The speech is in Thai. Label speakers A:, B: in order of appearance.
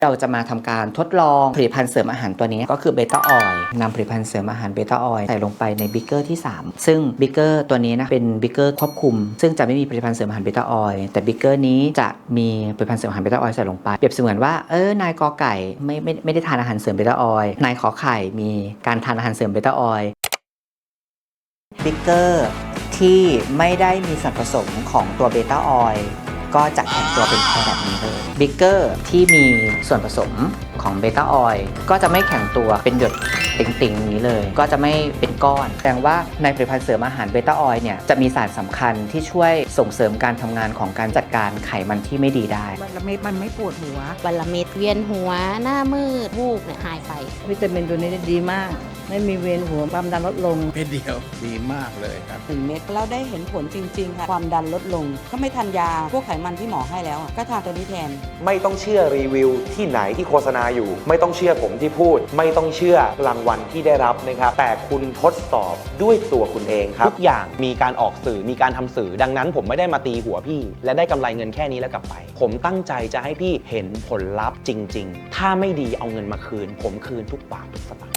A: เราจะมาทำการทดลองผลิตภัณฑ์เสริมอาหารตัวนี้ก็คือเบต้าออยล์นำผลิตภัณฑ์เสริมอาหารเบต้าออยล์ใส่ลงไปในบิ๊กเกอร์ที่3ซึ่งบิ๊กเกอร์ตัวนี้นะเป็นบิ๊กเกอร์ควบคุมซึ่งจะไม่มีผลิตภัณฑ์เสริมอาหารเบต้าออยล์แต่บิ๊กเกอร์นี้จะมีผลิตภัณฑ์เสริมอาหารเบต้าออยล์ใส่ลงไปเปรียบเสมือนว่านายกอไก่ไม่ได้ทานอาหารเสริมเบต้าออยล์นายขอไข่มีการทานอาหารเสริมเบต้าออยล์บิ๊กเกอร์ที่ไม่ได้มีส่วนผสมของตัวเบต้าออยล์ก็จะแข็งตัวเป็นแพรแบบนี้เลยบิ๊กเกอร์ที่มีส่วนผสมของเบต้าออยล์ก็จะไม่แข็งตัวเป็นหยดติ่งๆนี้เลยก็จะไม่เป็นก้อนแสดงว่าในผลิตภัณฑ์เสริมอาหารเบต้าออยล์เนี่ยจะมีสารสำคัญที่ช่วยส่งเสริมการทำงานของการจัดการไขมันที่ไม่ดีได้
B: วันละเม็ดมันไม่ปวดหัว
C: วันละเม็ดเวียนหัวหน้ามืดวูบเนี่ยหายไป
B: วิตามินตัวนี้ดีมากไม่มีเวียนหัวความดันลดลง
D: เม็ดเดียวดีมากเลยครับ
E: 1 เม็ดแล้วได้เห็นผลจริงๆค่ะความดันลดลงถ้าไม่ทานยาพวกไขมันที่หมอให้แล้วก็ทานตัวนี้แทน
F: ไม่ต้องเชื่อรีวิวที่ไหนที่โฆษณาอยู่ไม่ต้องเชื่อผมที่พูดไม่ต้องเชื่อรางวัลที่ได้รับนะครับแต่คุณทดสอบด้วยตัวคุณเองครับทุกอย่างมีการออกสื่อมีการทำสื่อดังนั้นผมไม่ได้มาตีหัวพี่และได้กำไรเงินแค่นี้แล้วกลับไปผมตั้งใจจะให้พี่เห็นผลลัพธ์จริงๆถ้าไม่ดีเอาเงินมาคืนผมคืนทุกบาททุกสตางค์